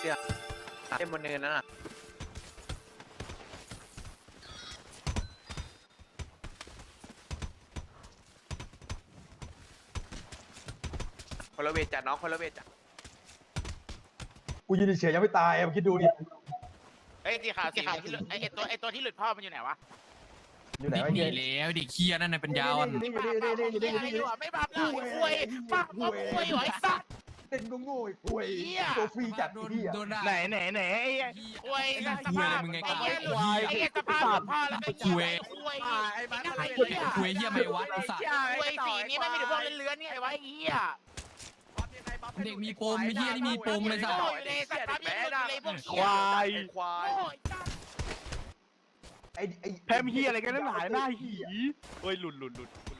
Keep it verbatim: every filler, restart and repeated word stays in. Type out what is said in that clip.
สียเต็มบนเนินนั่นน่ะคนละเวทจัดน้องคนละเวทจัดกูยืนเฉยๆยังไม่ตายอ่ะคิดดูดิเอ้ยสีขาวสีขาวที่หลุดไอ้ตัวไอ้ตัวที่หลุดพ่อมันอยู่ไหนวะอยู่ไหนเด็กวะหนีเฮียแล้วเด็กเคียนั่นน่ะเป็นยาวอ่ะนี่อยู่นี่อยู่นี่อยู่นี่อยู่นี่อยู่นี่ไม่บับแล้วคุยบับบับคุยไอ้สัตว์เต้นก็โง่ไอ้ป่วยตัวฟรีจัดโดนเฮียโดนด่าไหนไหนไหนไอ้คุยไอ้สเหี้ยภาพมึงไงไอ้เหี้ยหลุดควายไอ้เหี้ยสภาพหลุดพ่อแล้วก็เหี้ยคุยไอ้บ้าไอ้เหี้ยคุยเหี้ยไม่วัดไอ้สัตว์คุยสีนี้ไม่มีแต่พวกเลื้อนๆนี่ไอ้วะไอ้เหี้ยเด็กมีปมไอ้เหี้ยนี่มีปมเลยสัตว์โง่อยู่เลยสัตว์ปั๊บยังหลุดอยู่เลยพวกควายควายโง่จัดไอ้ไอ้แพมเฮียอะไรกันนั่นหลายหน้าหีโอ้ยหลุดหลุดหลุด